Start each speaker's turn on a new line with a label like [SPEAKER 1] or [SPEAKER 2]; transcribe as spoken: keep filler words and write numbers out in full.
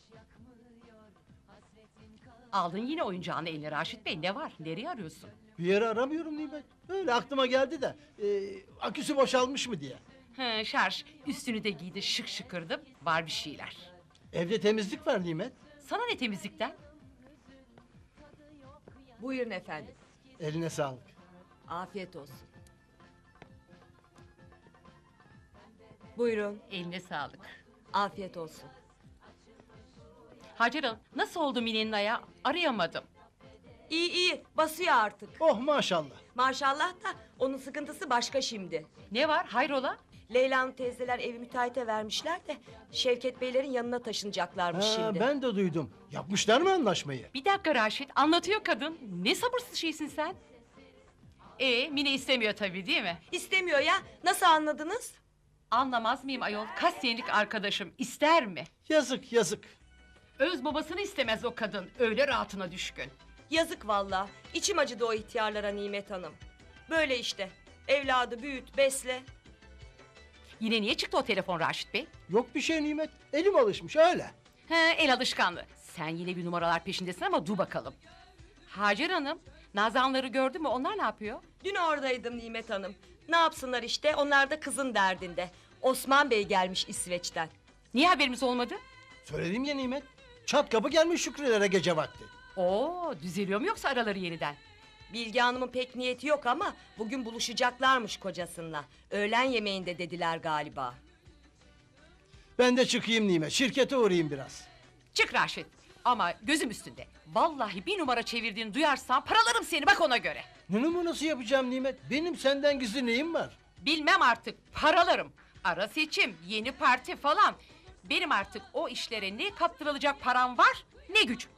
[SPEAKER 1] Aldın yine oyuncağını eline Raşit Bey. Ne var? Nereye arıyorsun?
[SPEAKER 2] Bir yere aramıyorum Nimet. Öyle aklıma geldi de e, aküsü boşalmış mı diye.
[SPEAKER 1] He, şarj. Üstünü de giydi, şık şıkırdı. Var bir şeyler.
[SPEAKER 2] Evde temizlik var Nimet.
[SPEAKER 1] Sana ne temizlikten?
[SPEAKER 3] Buyurun efendim.
[SPEAKER 2] Eline sağlık.
[SPEAKER 3] Afiyet olsun. Buyurun.
[SPEAKER 1] Eline sağlık.
[SPEAKER 3] Afiyet olsun.
[SPEAKER 1] Hacer Hanım, nasıl oldu Mine'nin ayağı? Arayamadım.
[SPEAKER 3] İyi iyi basıyor artık.
[SPEAKER 2] Oh maşallah.
[SPEAKER 3] Maşallah da onun sıkıntısı başka şimdi.
[SPEAKER 1] Ne var? Hayrola?
[SPEAKER 3] Leyla'nın teyzeler evi müteahhite vermişler de Şevket Beylerin yanına taşınacaklarmış
[SPEAKER 2] Ha,
[SPEAKER 3] şimdi.
[SPEAKER 2] ben de duydum. Yapmışlar mı anlaşmayı?
[SPEAKER 1] Bir dakika Raşit, anlatıyor kadın. Ne sabırsız şeysin sen? Ee, Mine istemiyor tabii değil mi?
[SPEAKER 3] İstemiyor ya. Nasıl anladınız?
[SPEAKER 1] Anlamaz mıyım ayol? Kaç senelik arkadaşım, ister mi?
[SPEAKER 2] Yazık yazık.
[SPEAKER 1] Öz babasını istemez o kadın, öyle rahatına düşkün.
[SPEAKER 3] Yazık vallahi. İçim acıdı o ihtiyarlara Nimet Hanım. Böyle işte. Evladı büyüt, besle.
[SPEAKER 1] Yine niye çıktı o telefon Raşit Bey?
[SPEAKER 2] Yok bir şey Nimet. Elim alışmış öyle.
[SPEAKER 1] He, el alışkanlığı. Sen yine bir numaralar peşindesin ama dur bakalım. Hacer Hanım, Nazanları gördü mü? Onlar ne yapıyor?
[SPEAKER 3] Dün oradaydım Nimet Hanım. Ne yapsınlar işte, onlar da kızın derdinde. Osman Bey gelmiş İsveç'ten.
[SPEAKER 1] Niye haberimiz olmadı?
[SPEAKER 2] Söyledim ya Nimet. Çat kapı gelmiş Şükrülere gece vakti.
[SPEAKER 1] Oo, düzeliyor mu yoksa araları yeniden?
[SPEAKER 3] Bilge Hanım'ın pek niyeti yok ama bugün buluşacaklarmış kocasınla. Öğlen yemeğinde dediler galiba.
[SPEAKER 2] Ben de çıkayım Nimet. Şirkete uğrayayım biraz.
[SPEAKER 1] Çık Raşit. Ama gözüm üstünde. Vallahi bir numara çevirdiğini duyarsam paralarım seni bak ona göre.
[SPEAKER 2] Ne numarası yapacağım Nimet? Benim senden gizli neyim var?
[SPEAKER 1] Bilmem artık paralarım. Ara seçim, yeni parti falan. Benim artık o işlere ne kaptırılacak param var ne güç.